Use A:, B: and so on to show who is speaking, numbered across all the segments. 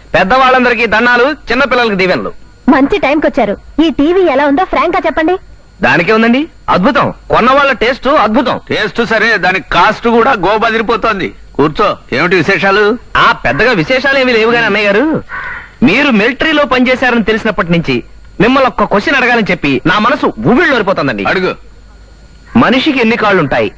A: పెద్దవాళ్ళందరికీ దండాలు, చిన్న పిల్లలకి దీవెనలు.
B: మంచి టైంకి వచ్చారు. ఈ టీవీ ఎలా ఉందో ఫ్రాంక్ గా చెప్పండి.
A: దానికే ఉందండి, అద్భుతం. కొన్న వాళ్ళ టేస్ట్ అద్భుతం.
C: టేస్ట్ సరే, దాని కాస్ట్ కూడా గోబదిరిపోతోంది. కూర్చో, ఏమిటి విశేషాలు?
A: పెద్దగా విశేషాలు ఏమీ లేవు గాని అన్నయ్య గారు, మీరు మిలిటరీలో పనిచేశారని తెలిసినప్పటి నుంచి మిమ్మల్ని ఒక్క క్వశ్చన్ అడగాలని చెప్పి నా మనసు ఊబిళ్ళోరిపోతుందండి.
C: అడుగు.
A: మనిషికి ఎన్ని కాళ్ళుంటాయి?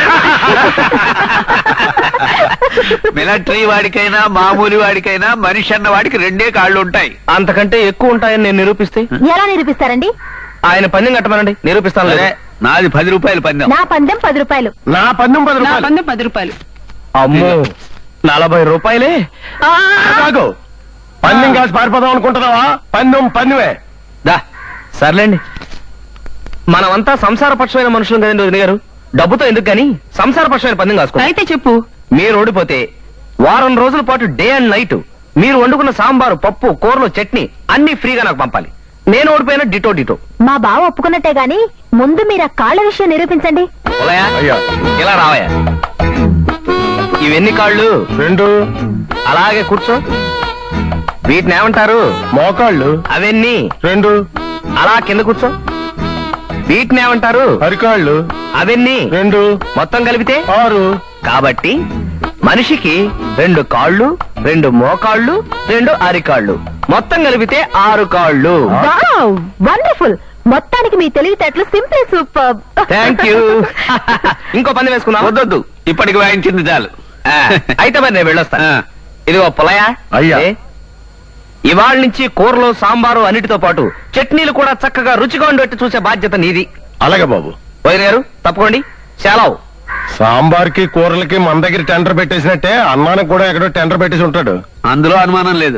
C: మిలిటరీ వాడికైనా మామూలు వాడికైనా మనిషి అన్న వాడికి 2 కాళ్ళు ఉంటాయి.
A: అంతకంటే ఎక్కువ ఉంటాయని నేను నిరూపిస్తే?
B: ఎలా నిరూపిస్తారండి?
A: ఆయన పందెం కట్టమనండి, నిరూపిస్తాను.
C: సరే, నాది 10 రూపాయలు పందెం.
B: నా పందెం 10 రూపాయలు.
A: నా పందెం 10 రూపాయలు. అమ్మో, 40 రూపాయలే.
D: కాదు, పందెం కాసి పారిపోదాం అనుకుంటున్నావా? పందెమే.
A: దా సర్లేండి, మనమంతా సంసారపక్షమైన మనుషులు కదండి వదిన గారు. డబ్బుతో ఎందుకు గాని సంసారపక్షమైన పందెం కాసుకో.
E: అయితే చెప్పు.
A: మీరు ఓడిపోతే వారం రోజుల పాటు డే అండ్ నైట్ మీరు వండుకున్న సాంబారు, పప్పు, కూరలు, చట్నీ అన్ని ఫ్రీగా నాకు పంపాలి. నేను ఓడిపోయినా డిటో.
B: మా బావ ఒప్పుకున్నట్టే గాని ముందు మీరు ఆ కాళ్ళ విషయం నిరూపించండి.
A: ఉలయా,
D: అయ్యా.
A: ఇలా రావయ్యా. ఇవెన్ని కాళ్ళు?
D: 2.
A: అలాగే కూర్చో. వీటిని ఏమంటారు?
D: మోకాళ్ళు.
A: అవన్నీ
D: 2.
A: అలా కింద కూర్చో. వీటిని ఏమంటారు?
D: అరికాళ్ళు.
A: అవన్నీ
D: 2.
A: మొత్తం కలిపితే
D: 6.
A: కాబట్టి మనిషికి 2 కాళ్ళు, 2 మోకాళ్ళు, 2 అరికాళ్ళు, మొత్తం కలిపితే 6 కాళ్ళు.
B: వండర్ఫుల్. మొత్తానికి మీ తెలివితేటలు సింపుల్ సూపర్.
A: Thank you. ఇంకో పందెం వేసుకుందాం.
C: వద్దొద్దు, ఇప్పటికి వాయించింది చాలు.
A: అయితే మరి నేను వెళ్ళొస్తాను. ఇదిగో పొలయా.
D: అయ్యా.
A: ఇవాళ నుంచి కూరలో, సాంబారు అన్నిటితో పాటు చట్నీలు కూడా చక్కగా రుచిగా ఉండేట్టు చూసే బాధ్యత నీది.
D: అలాగే బాబు.
A: వదిన గారు తప్పుకోండి. సెలవు.
D: సాంబార్కి కూరలకి మన దగ్గర టెండర్ పెట్టేసినట్టే అన్నానికి కూడా ఎక్కడో టెండర్ పెట్టేసి ఉంటాడు.
C: అందులో అనుమానం లేదు.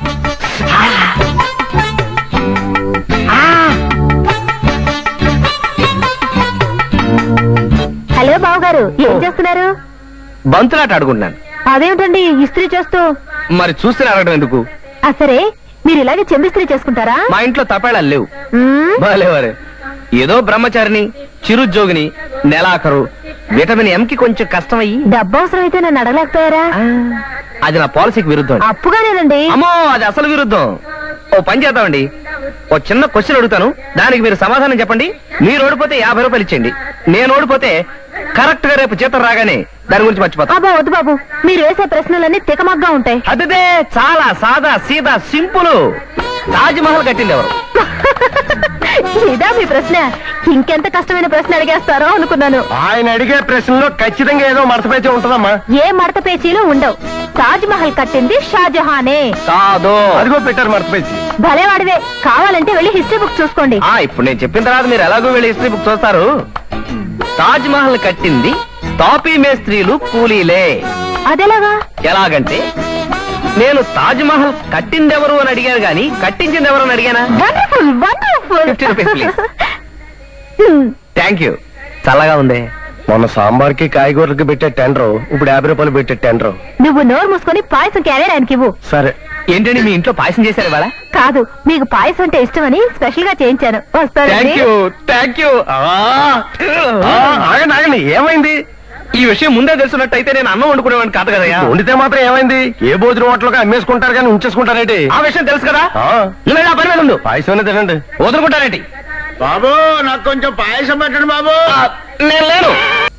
B: హలో బావగారు, ఏం చేస్తున్నారు?
A: బంతులాట ఆడుకుంటున్నాను.
B: అదేమిటండి ఇస్త్రీ చేస్తూ?
A: మరి చూస్తే అడగడం ఎందుకు?
B: సరే, మీరు ఇలాగే చెంబిస్త్రీ చేసుకుంటారా?
A: మా ఇంట్లో తపేళాలు లేవు.
B: మ్మ్.
A: బాలేవారే, ఏదో బ్రహ్మచారిని, చిరుద్యోగిని, నెలాఖరు, విటమిన్ ఎం కి కొంచెం కష్టమయ్యి
B: డబ్బు అవసరం అయితే నన్ను అడగలేకపోయారా?
A: అది నా పాలసీకి విరుద్ధం.
B: అప్పుగానేనండి.
A: అమ్మో, అది అసలు విరుద్ధం. ఓ పని చేద్దామండి, ఓ చిన్న క్వశ్చన్ అడుగుతాను, దానికి మీరు సమాధానం చెప్పండి. మీరు ఓడిపోతే 50 రూపాయలు ఇచ్చేయండి. నేను ఓడిపోతే కరెక్ట్ గా రేపు జీతం రాగానే దాని గురించి మర్చిపోతా.
B: అబ్బా వద్దు బాబు, మీరు వేసే ప్రశ్నలన్నీ తికమగ్గా ఉంటాయి.
A: అదే చాలా సాదా సీదా సింపుల్. తాజ్ మహల్ కట్టింది ఎవరు?
B: ఇదా మీ ప్రశ్న? ఇంకెంత కష్టమైన ప్రశ్న అడిగేస్తారో అనుకున్నాను.
D: ఆయన అడిగే ప్రశ్నలో ఖచ్చితంగా ఏదో మడతపేచి ఉంటుందమ్మా.
B: ఏ మడత పేచీలు ఉండవు. తాజ్ మహల్ కట్టింది షాజహానే.
A: కాదు.
D: అదిగో పెట్టారు మడతపేచి.
B: భలేవాడివే. కావాలంటే వెళ్ళి హిస్టరీ బుక్ చూసుకోండి.
A: ఇప్పుడు నేను చెప్పిన తర్వాత మీరు ఎలాగో వెళ్ళి హిస్టరీ బుక్ చూస్తారు. తాజ్ మహల్ కట్టింది తాపీ మేస్త్రీలు, కూలీలే.
B: అదెలాగా?
A: ఎలాగంటే నేను తాజ్ మహల్ కట్టిందెవరు అని అడిగాను గాని కట్టించింది ఎవరు అని అడిగానా?
B: Wonderful wonderful.
A: 50 rupees please. Thank you. చల్లగా ఉంది.
D: మొన్న సాంబార్కి కాయగూరలకి పెట్టే టెండర్ ఇప్పుడు 50 రూపాయలు పెట్టే టెండర్.
B: నువ్వు నోరు మూసుకొని పాయసం క్యారియర్ ఆయనకి ఇవ్వు.
D: సరే.
A: ఏంటండి మీ ఇంట్లో పాయసం చేశారు ఇవాళ?
B: కాదు, మీకు పాయసం అంటే ఇష్టమని స్పెషల్ గా చేయించాను.
A: Thank you, thank you.
D: ఆగండి ఆగండి, ఏమైంది?
A: ఈ విషయం ముందే తెలుసున్నట్టయితే నేను అన్నం వండుకునేవాడిని కాదు కదయ్యా.
D: వండితే మాత్రం ఏమైంది? ఏ భోజనం హోటల్గా అమ్మేసుకుంటారు కానీ ఉంచేసుకుంటారేంటి?
A: ఆ విషయం తెలుసు కదా.
D: ఆ.
A: నువ్వు నా పని మీద ఉండు.
D: పాయసం తినండి.
A: వదులుకుంటారేంటి?
D: బాబు, నాకు కొంచెం పాయసం పెట్టండి బాబు.
A: నేను లేను.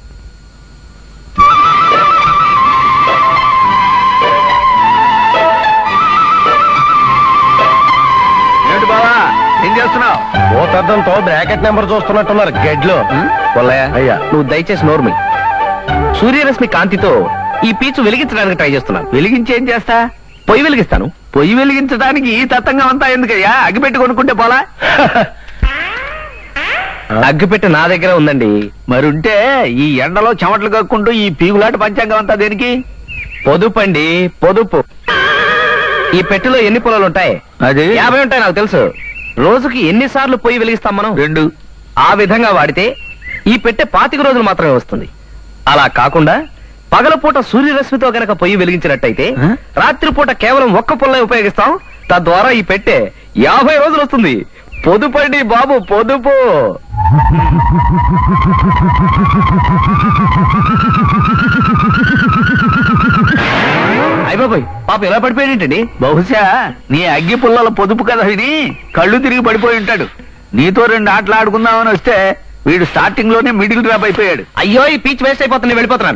C: ఏమిటి బావా, ఏం చేస్తున్నావు?
D: ఓ పెద్దంతో బ్రాకెట్ నెంబర్ చూస్తున్నట్టున్నారు గెడ్లో.
A: పొల్లయ్య,
D: అయ్యా.
A: నువ్వు దయచేసి నోర్మి. సూర్యరశ్మి కాంతితో ఈ పీచు వెలిగించడానికి ట్రై చేస్తున్నాను.
C: వెలిగించి ఏం చేస్తా?
A: పొయ్యి వెలిగిస్తాను.
C: పొయ్యి వెలిగించడానికి ఈ తత్తంగా అంతా ఎందుకయ్యా? అగ్గిపెట్టి కొనుక్కుంటే పోలా?
A: అగ్గిపెట్టి నా దగ్గర ఉందండి.
C: మరుంటే ఈ ఎండలో చెమటలు కక్కుంటూ ఈ పీగులాట పంచాంగం అంతా దేనికి?
A: పొదుపండి, పొదుపు. ఈ పెట్టెలో ఎన్ని పొలాలు ఉంటాయి?
C: అది
A: 50 ఉంటాయి నాకు తెలుసు. రోజుకి ఎన్నిసార్లు పొయ్యి వెలిగిస్తాం మనం?
C: 2.
A: ఆ విధంగా వాడితే ఈ పెట్టె 25 రోజులు మాత్రమే వస్తుంది. అలా కాకుండా పగలపూట సూర్యరశ్మితో గనక పొయ్యి వెలిగించినట్టయితే రాత్రిపూట కేవలం 1 పొల్లే ఉపయోగిస్తాం. తద్వారా ఈ పెట్టె 50 రోజులు వస్తుంది. పొదుపండి బాబు, పొదుపు. అయిపోయింది. బాబాయ్ పాప ఎలా పడిపోయాడేంటండి?
C: బహుశా నీ అగ్గి పుల్లల పొదుపు కథ విని కళ్ళు తిరిగి పడిపోయి ఉంటాడు. నీతో 2 ఆటలు ఆడుకుందామని వస్తే వీడు స్టార్టింగ్ లోనే మిడిల్ డ్రాప్ అయిపోయాడు.
A: అయ్యో ఈ పీచ్ వేస్ట్ అయిపోతుంది, వెళ్ళిపోతున్నాను.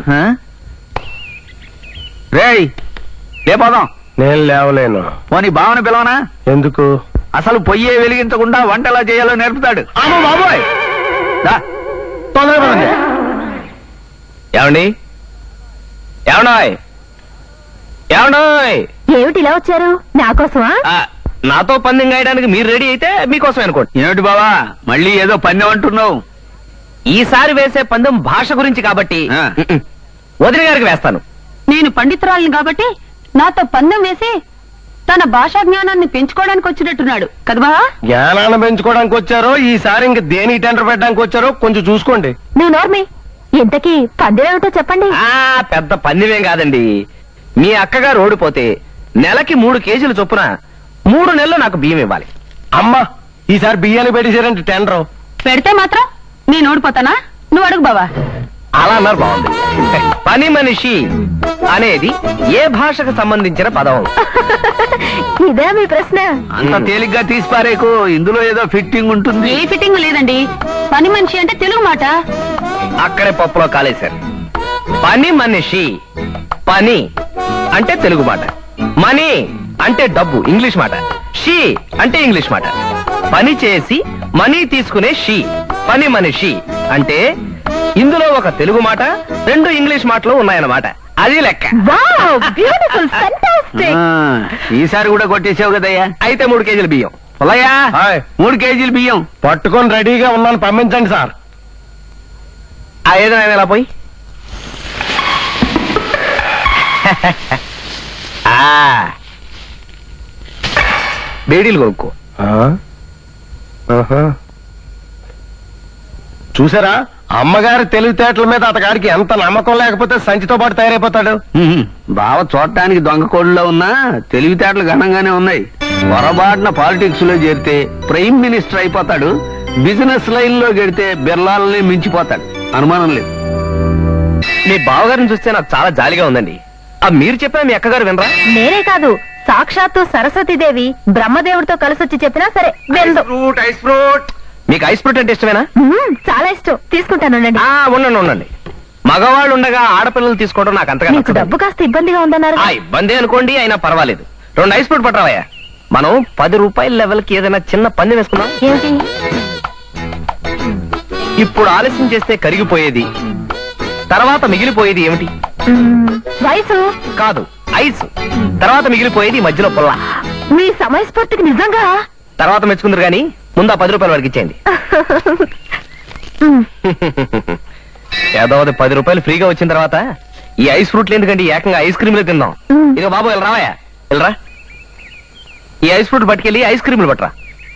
C: రేయ్ లేపోదాం.
D: నేను లేవలేను.
C: పోనీ భావన పిలవనా?
D: ఎందుకు?
C: అసలు పొయ్యే వెలిగించకుండా వంట ఎలా చేయాలో నేర్పుతాడు.
A: అమ్మో బాబోయ్,
C: దా,
A: తొందరగా పదండి. ఏమండి ఏమన్నాయ్ ఏమన్నాయ్?
B: ఏమిటి ఇలా వచ్చారు? నా కోసమా?
A: నాతో పందెం గాయడానికి మీరు రెడీ అయితే మీకోసం అనుకోండి.
C: ఏమిటి బావా మళ్ళీ ఏదో పన్నెం అంటున్నావు?
A: ఈసారి వేసే పందెం భాష గురించి కాబట్టి
C: ఆ.
A: వదిన గారికి వేస్తాను.
B: నేను పండితురాలిని కాబట్టి నాతో పందెం వేసి తన భాషా జ్ఞానాన్ని పెంచుకోవడానికి వచ్చినట్టున్నాడు కదబా?
D: జ్ఞానాన్ని పెంచుకోవడానికి వచ్చారో ఈసారి ఇంక దేనికి టెండర్ పెట్టడానికి వచ్చారో కొంచెం చూసుకోండి.
B: నువ్వు నోర్మి. ఇంతకీ పందెం ఏమిటో చెప్పండి.
A: పెద్ద పందెమేం కాదండి. మీ అక్కగారు ఓడిపోతే నెలకి 3 కేజీలు చొప్పున 3 నెలలు నాకు బియ్యం ఇవ్వాలి.
D: అమ్మా ఈసారి బియ్యాన్ని పెట్టేశారంటే టెండర్.
B: పెడితే మాత్రం నేను ఓడిపోతానా? నువ్వు అడుగు బావా.
A: అలా అన్నారు, బాగుంది. పని మనిషి అనేది ఏ భాషకు సంబంధించిన పదం?
B: ఇదే మీ ప్రశ్న?
C: అంత తేలిగ్గా తీసిపారేకు, ఇందులో ఏదో ఫిట్టింగ్ ఉంటుంది.
B: ఏ ఫిట్టింగ్ లేదండి. పని మనిషి అంటే తెలుగు మాట.
A: అక్కడే పప్పులో కాలేశారు. పని మనిషి, పని అంటే తెలుగు మాట, మనీ అంటే డబ్బు ఇంగ్లీష్ మాట, షీ అంటే ఇంగ్లీష్ మాట. పని చేసి మనీ తీసుకునే షీ పని మనిషి అంటే ఇందులో ఒక తెలుగు మాట 2 ఇంగ్లీష్ మాటలు ఉన్నాయన్నమాట. అది లెక్క.
B: Wow, beautiful, fantastic.
C: ఈసారి కూడా కొట్టేసావు కదయ్యా.
A: అయితే 3 కేజీలు బియ్యం.
C: పొలయ్యా
D: హాయ్.
C: 3 కేజీలు బియ్యం
D: పట్టుకొని రెడీగా ఉన్నాను, పంపించండి సార్.
A: ఏదైనా ఎలా పోయి బేడీలు కొనుక్కో.
D: చూసారా అమ్మగారి తెలివితేటల మీద అతగాడికి ఎంత నమ్మకం లేకపోతే సంచితో పాటు తయారైపోతాడు.
C: బావ చూడటానికి దొంగ కోళ్ళలో ఉన్నా తెలివితేటలు ఘనంగానే ఉన్నాయి. పొరపాటున పాలిటిక్స్ లో చేరితే ప్రైమ్ మినిస్టర్ అయిపోతాడు. బిజినెస్ లైన్ లో గెడితే బిర్లాలని మించిపోతాడు, అనుమానం లేదు.
A: మీ బావగారిని చూస్తే నాకు చాలా జాలిగా ఉందండి. మీరు చెప్పినా మీ అక్కగారు వినరా?
B: నేనే కాదు, సాక్షాత్తు సరస్వతీదేవి బ్రహ్మదేవుడితో కలిసొచ్చి చెప్పినా సరే వెళ్దు.
A: మీకు ఐస్ ఫ్రూట్ అంటే ఇష్టమేనా?
B: చాలా ఇష్టం, తీసుకుంటాను.
A: ఉండండి ఉండండి. మగవాళ్ళు ఉండగా ఆడపిల్లలు తీసుకోవడం నాకు అంతగా
B: మీకు
A: నచ్చదు.
B: డబ్బు కాస్త ఇబ్బందిగా ఉందన్నారు.
A: ఇబ్బంది అనుకోండి, అయినా పర్వాలేదు. 2 ఐస్ ఫ్రూట్ పట్టరావయ్యా. మనం 10 రూపాయల లెవెల్ కి ఏదైనా చిన్న పందెం వేసుకుందాం.
B: ఏంటి?
A: ఇప్పుడు ఆలస్యం చేస్తే కరిగిపోయేది, తర్వాత మిగిలిపోయేది ఏమిటి?
B: వయసు
A: కాదు, ఐస్. తర్వాత మిగిలిపోయేది మధ్యలో పుల్ల.
B: మీ సమయస్ఫూర్తికి నిజంగా.
A: తర్వాత మెచ్చుకుందరు గాని ముందు 10 రూపాయల వరకు ఇచ్చేయండి. ఏదో 10 రూపాయలు ఫ్రీగా వచ్చిన తర్వాత ఈ ఐస్ ఫ్రూట్లు ఎందుకండి, ఏకంగా ఐస్ క్రీమ్లు తిందాం. ఇక బాబు వెళ్ళరా వెళ్ళరా, ఈ ఐస్ ఫ్రూట్ పట్టుకెళ్ళి ఐస్ క్రీములు పట్టరా.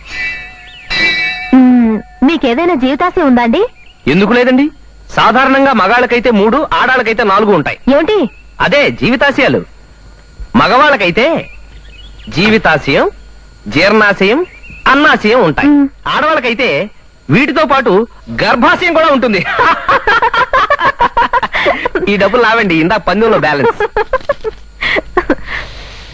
B: మీకేదైనా జీవితాశయం ఉందా అండి?
A: ఎందుకు లేదండి. సాధారణంగా మగాళ్ళకైతే 3, ఆడాళ్ళకైతే 4 ఉంటాయి.
B: ఏమిటి?
A: అదే జీవితాశయాలు. మగవాళ్ళకైతే జీవితాశయం, జీర్ణాశయం, అన్నాశయం ఉంటాయి. ఆడవాళ్ళకైతే వీటితో పాటు గర్భాశయం కూడా ఉంటుంది. ఈ డబ్బులు నావండి, ఇందా పందెంలో బ్యాలెన్స్.